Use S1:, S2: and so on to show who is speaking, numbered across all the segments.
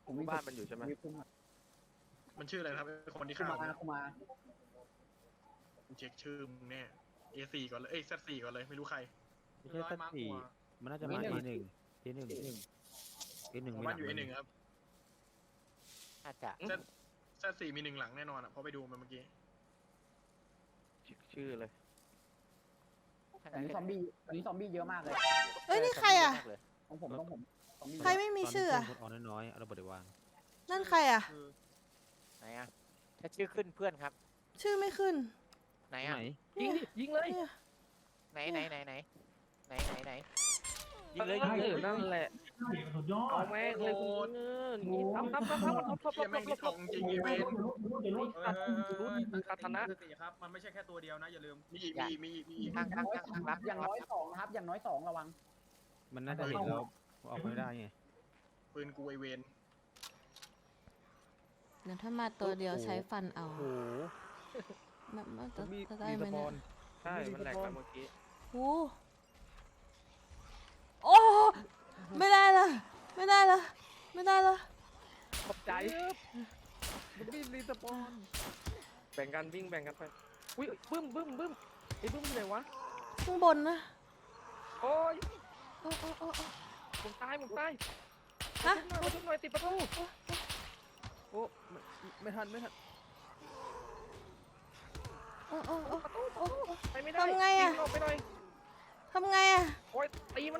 S1: บ้านมันอยู่ใช่ไหม
S2: มันชื่ออะไรครับคนที่ฆ่าคุมาเช็คชื่อมึงแน่ A4 ก่อนเลยZ4 ก่อนเลยไม่รู้ใคร
S3: ไม่ใช่สักสี่มันน่าจะมาทีหนึ่งทีหนึ่ง
S2: บ้านอยู่ A1 ครับ
S1: อาจจะ
S2: Z4 มี1 หลังแน่นอนอ่ะเพราะไปดูมันเมื่อกี้
S1: ชื่อเลย
S4: อันนี้ซอมบี้เยอะมากเลย
S5: เอ้ยนี่ใครอ่ะ
S4: ของผมซอมบี้
S5: ใครไม่มีชื่ออ่ะ
S3: คนน้อยๆเอาระเบิดไปวาง
S5: นั่นใครอ่ะ
S1: ไหนอะถ้าชื่อขึ้นเพื่อนครับ
S5: ชื่อไม่ขึ้น
S1: ไหน
S3: ไห
S1: อะ
S3: น
S5: ยิงดิยิงเลย
S1: ไหนยิงเลยนั่นแหละ
S6: สุดยอด
S1: เอาแม่งเลยคุณนี่ทำ
S2: เหี้ยแม่งมีทองจริงอีเวนต์
S1: คาถนะ
S2: ครับมันไม่ใช่แค่ตัวเดียวนะอย่าลืมมี
S1: ตั้ง
S4: อย่างน้อย2นะครับอย่างน้อย2ระวัง
S3: มันน่าจะเห็นเราออกไม่ได้ไง
S2: ปืนกูไอเวน
S5: เดี๋ยวถ้ามาตัวเดียวใช้ฟันเอา
S3: โอ้โห
S5: มันจะ
S3: มี
S5: ได้ไหม
S3: สป
S5: เนี่
S3: อย น
S1: ใช่มันแหลกไปเมื่อกี้
S5: โอ้ไม่ได้ละ
S1: ขอบใจมันมีรีสปอนแบ่งกันวิ่งแบ่งกันไปอุ้ยบึ้มไอ้บึ้มไหนวะ
S5: ข้างบนนะ
S1: โอ้ย
S5: โอ้
S1: ผมตาย
S5: ฮะ
S1: ทุบหน่อยติดประตู
S3: โอ้ไม่ทัน
S5: โอ้
S1: ไปไม่ได้
S5: ทำไงอะ
S1: วิ่ออกไปหน่อย
S5: ทำไงอ่ะ
S1: โอ้ยตีมัน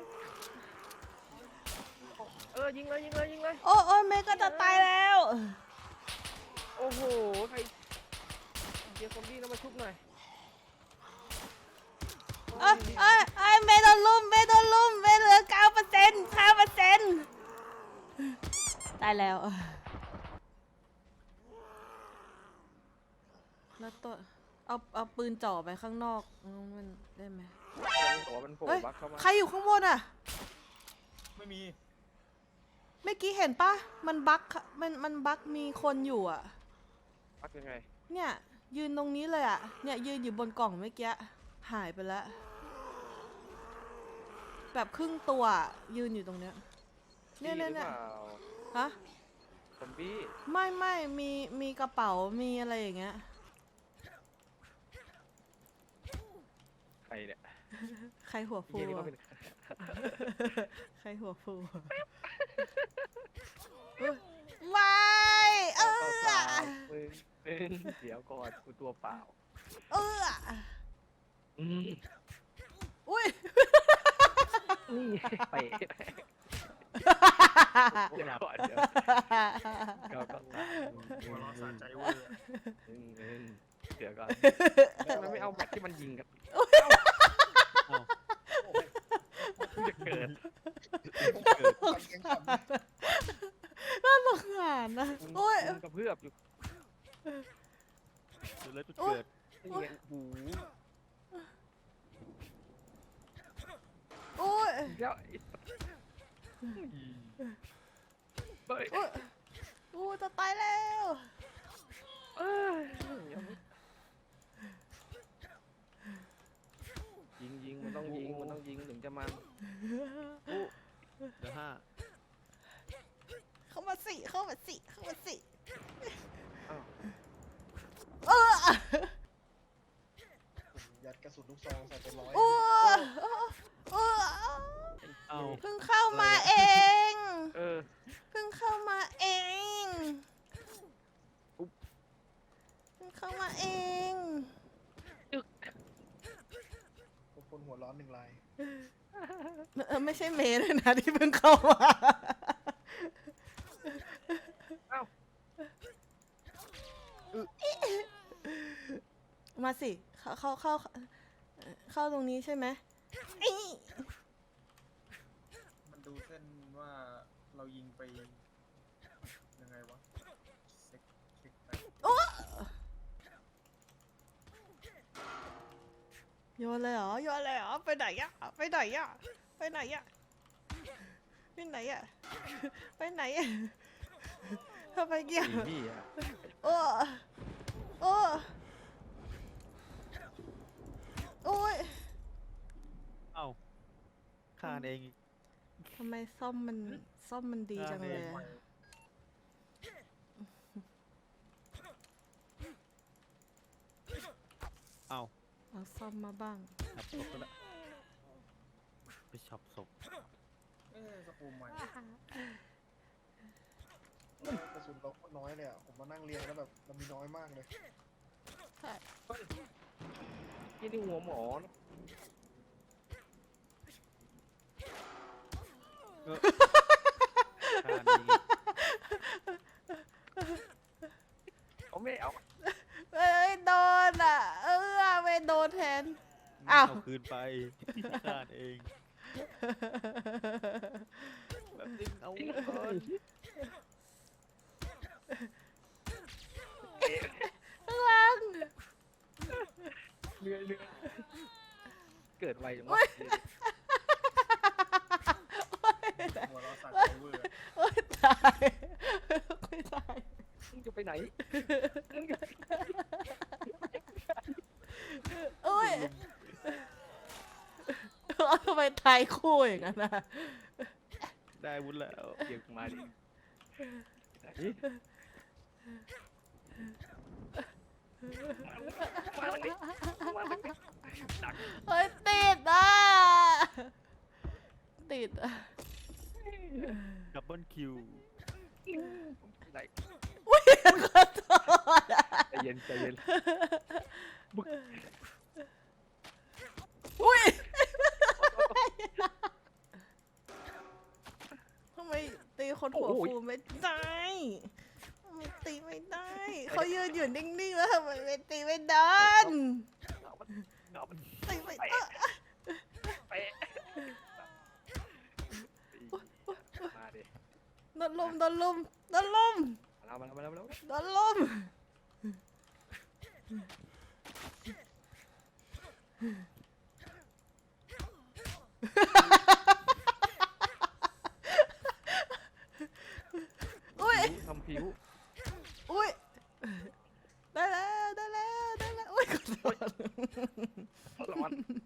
S1: ยิงเลย
S5: โอ้เมย์ก็จะตายแล้ว
S1: โอ้โหใครเดี๋ยวซอมบี้แล้วมาชุบหน่อย
S5: เมย์โดนลุมเมย์เหลือ9%ตายแล้วแล้วตัวเอาปืนจ่อไปข้างนอกมันได้ไหม
S1: หัวมันโผล่
S5: เฮ้ย
S1: บักเข้ามา
S5: ใครอยู่ข้างบนอ่ะ
S2: ไม่มี
S5: เมื่อกี้เห็นปะมันบั๊กมันบั๊กมีคนอยู่อ่ะ
S1: บักยังไง
S5: เนี่ยยืนตรงนี้เลยอ่ะเนี่ยยืนอยู่บนกล่องเมื่อกี้หายไปแล้วแบบครึ่งตัวอะยืนอยู่ตรงเนี้ยเนี่ย
S1: หรือเปล่า
S5: ฮะ
S1: ซอมบี้
S5: ไม่มีกระเป๋ามีอะไรอย่างเงี้ย
S1: ใครเนี่ย
S5: ใครหัวฟู
S1: เหี้ยนี่ก็
S5: อะ
S1: เป็น
S5: ใครหัวฟูอุ๊ยไม่
S1: เปล่ามึงเดี๋ยวก่อนกูตัวเปล่า
S5: อุ้ย
S1: นี่ไปเดี๋ยวก่อนเดี๋ยวก็
S2: หัวเร้อนสะใจเวอร์
S1: เดี๋ยวก่อนทำไมไม่เอาแม็กที่มันยิงกันจะเกิด
S5: น่าสงสารนะโอ้ย
S1: มันกระเพื่อมอยู่
S3: จุดเลยจุดเกิด
S1: เลี้ยงหู
S5: โอ้ย
S1: แล้วเฮ้ย
S5: โอ้จะตายแล้ว
S1: ยิงมันต้องยิงถึงจะมัน
S3: เดี๋ยว5
S5: เข้ามาสิ
S1: อ้าว
S2: ยัดกระสุนลูกซองใส่เป็นร้อย
S5: โอ้
S3: เอา
S5: เพิ่งเข้ามาเอง เพิ่งเข้ามาเอง
S2: คนหัวร้อน1 ราย
S5: ไม่ใช่เมย์เลยนะที่เพิ่งเข้ามา
S1: อ้าว
S5: มาสิ เข้าตรงนี้ใช่ไหม
S2: มันดูเส้นว่าเรายิงไปยังไงวะเช็คไป
S5: โยนเลยเหรอ ไปไหนอะไปไหนทำไมเกี่ยว
S3: พี่อะ
S5: โอ้ย
S3: เอ้าฆ่าเองอีก
S5: ทำไมซ่อมมันดีจังเลยอะเอาซ่อมมาบ้าง
S3: ช็อปศพก็ละไปช็อปศพ
S2: สกูมใหม่กระสุนเราโคตรน้อยเลยอ่ะผมมานั่งเรียงแล้วแบบมันมีน้อยมากเลย
S5: ใช่
S1: ที่นี่หัวหมอนะ
S3: ท่านี้
S1: เอาไม่เอา
S5: เอ้ยโดนอ่ะ ไม่โดนแทน อ้าว
S3: เอาคืนไปท่านเองแบบนึงเอาก่อน
S5: ข้างหล่าง
S1: เรื่อยเกิดไวจังวะ
S2: หัวเราสั่นเวอร์
S5: โอ้ยตายไม่ตาย
S1: มึงจะไปไหน
S5: โอ้ยทำไมตายคู่อย่างนั้นนะ
S3: ได้วุ้นแล้ว
S1: เดี๋ยวมาดิมาทางนี้มาทางนี้ดัก
S5: เฮ้ยติดอ่ะ ติดอ่ะ
S3: ดับเบิลคิว
S1: ไหน
S5: อุ้ยขอโทษอ่ะ
S1: ใจเย็นใจเย็นบึก
S5: อุ้ยทำไมตีคนหัวฟูไม่ได้ทำไมตีไม่ได้ เขายืนอยู่นิ่งๆแล้วทำไมไม่ตีไม่โดน
S1: เอามัน
S5: ตีไม่ได้
S1: ไปมาดิ
S5: โดนลุมโดนลุมโดนลุม
S1: มาแล้ว
S5: โดนลุมอุ้ย
S1: ทำผิว
S5: อุ้ยได้แล้วได้แล้วได้แล้วอุ้ยขอโทษ
S1: ร้อน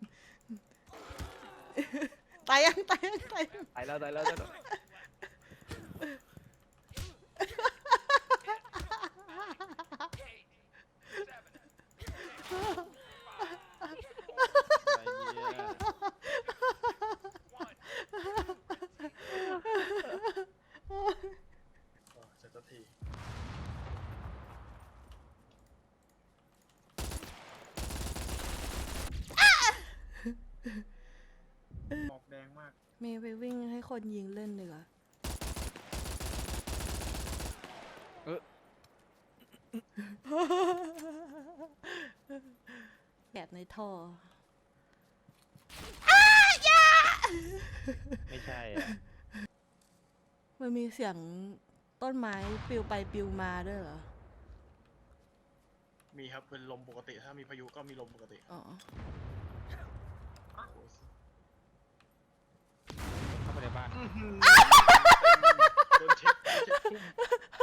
S5: ตายยังตายยังตายยัง
S1: ตายแล้ว
S3: อะไรเนี่ย
S2: เสร็จสักทีออกแดงมาก
S5: เมย์ไปวิ่งให้คนยิงเล่นดีกว่าแบบในท่อ
S3: ไม่ใช่อะ
S5: มันมีเสียงต้นไม้ปลิวไปปลิวมาด้วยเหรอ
S2: มีครับเป็นลมปกติถ้ามีพายุก็มีลมปกติ
S5: อ๋อ
S3: เข้าไปในบ้าน
S2: โดนเช็คทุ่ม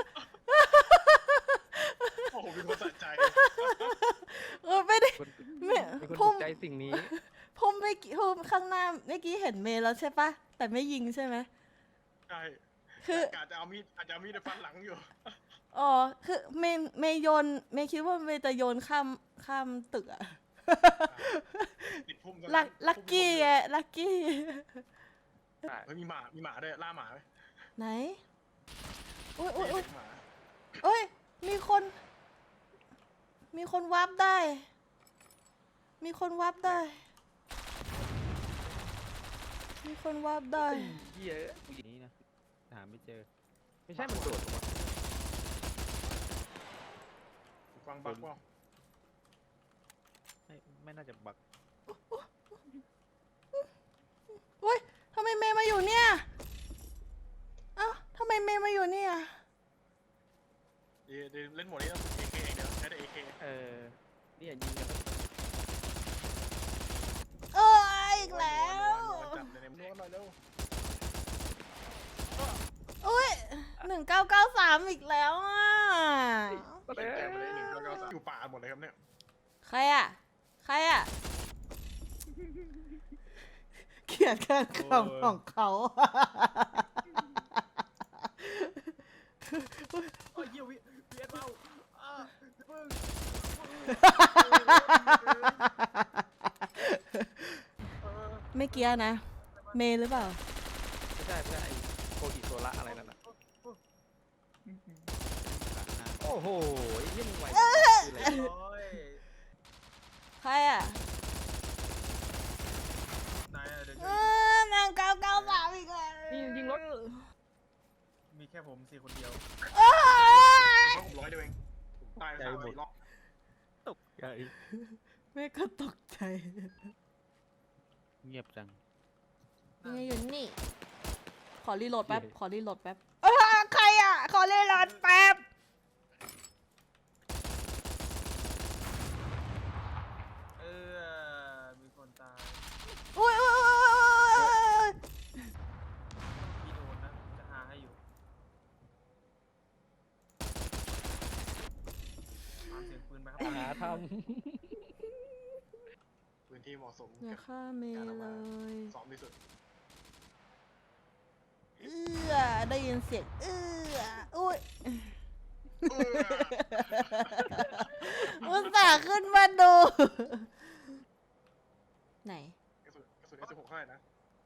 S2: โอ้โหมีคนสะใจ
S5: ไม่ได้
S1: คน
S5: ไม่
S1: มีคน
S5: พุ่
S1: ถู
S5: ม
S1: กใจสิ่งนี้
S5: พุ่มไม่กี่พุ่มข้างหน้าเมื่อกี้เห็นเมย์แล้วใช่ปะแต่ไม่ยิงใช่ไหม
S2: ใช่
S5: คือ
S2: อาจจะเอามีดไปฟันหลังอยู่
S5: อ๋อคือเมย์โยนเมย์คิดว่าเมย์จะโยนข้ามตึกอะ
S2: ติดพุ่มซะ
S5: ลักกี้ไงลักกี้
S2: เฮ้ยมีหมาด้วยล่าหมาไหม
S5: ไหนอุ้ยอุ้ยอุ้ย
S2: หมา
S5: เอ้ยมีคนวาร์ปได้ มีคนวาร์ปได้ มีคนวาร์ปได้
S1: เยอะ
S3: นี้นะหาไม่เจอ
S1: ไม่ใช่มันโดดลงมา
S2: ฟังบักว่า
S3: ไม่น่าจะบัก
S5: อุ้ยทำไมเมย์มาอยู่เนี่ย เอ้าทำไมเมย์มาอยู่เนี่ย
S2: เดี๋ยวเล่นโหมดนี้ต้องฝึก AK เองเดี๋ยวใช้แต่ AK
S1: เนี่ยยิงกัน
S5: เอ้ยอีกแล้ว
S2: จับเลยในมือหน่อยเร็ว
S5: อุ้ย1993อีกแล้วอ่ะ
S2: แต้มไปเลย1 9 9 3อยู่ป่าหมดเลยครับเนี่ย
S5: ใครอ่ะ ใครอ่ะ เขียนการคำของเขา
S2: โอ้ยเยี่ยวิเอสเปล่าพึ่ง
S5: ไม่เกี้ยนะ เมย์หรือเปล่า
S1: ไม่ใช่ไอ้โคอิโซระอะไรนั่นน่ะโอ้โหไอ้เหี้ยมึงไหวคืออะไร
S2: โอ้ย
S5: ใครอ่ะ
S2: นายอะเดี๋ยว
S5: เออนาง993อีกแล้ว
S1: นี่ยิงรถ
S2: มีแค่ผมสี่คนเดียว
S5: เอ้ย
S2: ผม100เดียวเองผมตาย3-4 รอบ
S1: ตกใจ
S5: แม่ก็ตกใจ
S3: เงียบจัง
S5: นี่อยู่นี่ ขอรีโหลดแป๊บ ขอรีโหลดแป๊บใครอ่ะ ขอรีโหลดแป๊บ
S2: มีคนตาย
S5: อุ้ย
S2: พี่โดนนะจะหาให้อยู่ตามเสียงปืนไปครับ
S1: หาท
S2: พื้นที่เหมาะสม
S5: อย่าฆ่าเมย์เลย
S2: ซ้อมที่สุด
S5: ได้ยินเสียงอุ้ยอุตส่าห์ขึ้นมาดู ไหน
S2: กระสุนS16เท่าไหร่นะ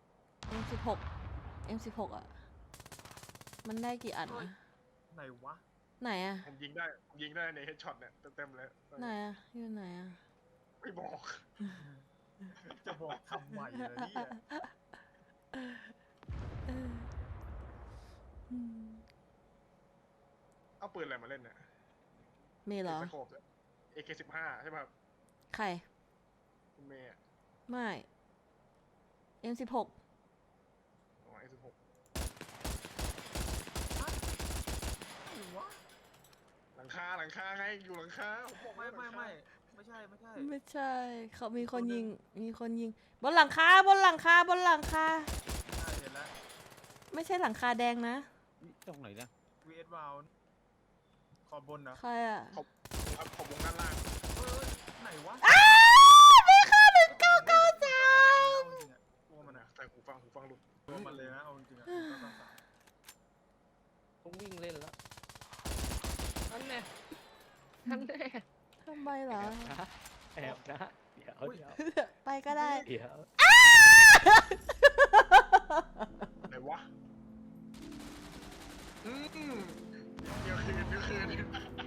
S5: M16 อ่ะ มันได้กี่อันนะ
S2: ไหนวะ
S5: ไหนอ่ะ
S2: ผมยิงได้ในเฮดช็อตเนี่ยเต็มเลย
S5: ไหนอ่ะ อยู่ไหนอ่ะ
S2: ไม่บอก จะบอกทำไมล่ะเนี่ย เอาปืนอะไรมาเล่นเนี่ย
S5: มีเหรอ
S2: สโคปเนี่ย AK15 ใช่ป่ะครับ
S5: ใคร
S2: คุณเมย์อะ
S5: ไม่ M16
S2: อ๋อ A16 หลังคาไงอยู่หลังคาผมบอก
S6: ไม่
S2: หลังคา
S6: ไม่ใช่
S5: ไม่ใช่ เขามีคนยิง บนหลังคา
S6: ใช่เห็นแล้ว
S5: ไม่ใช่หลังคาแดงนะ
S3: ตรงไหนนะ
S6: VS วาวขอบบนนะ
S5: ใครอ่ะ
S2: ครับขอบวงด้านล่าง
S6: ไหนวะ
S5: ไม่ฆ่า1 9 9
S6: ตัวมันอะ
S2: ใส่หูฟังหลุด
S6: ตัวมันเลยนะเอาจริงๆอะ
S1: ำต้องวิ่งเล่นแล้วนั่นแน่
S5: ทำไมเหรอ
S1: แอบนะเดี๋ยว
S5: ไปก็ได้
S1: เดี๋ยว
S2: ไหนวะเดี๋ยวคืน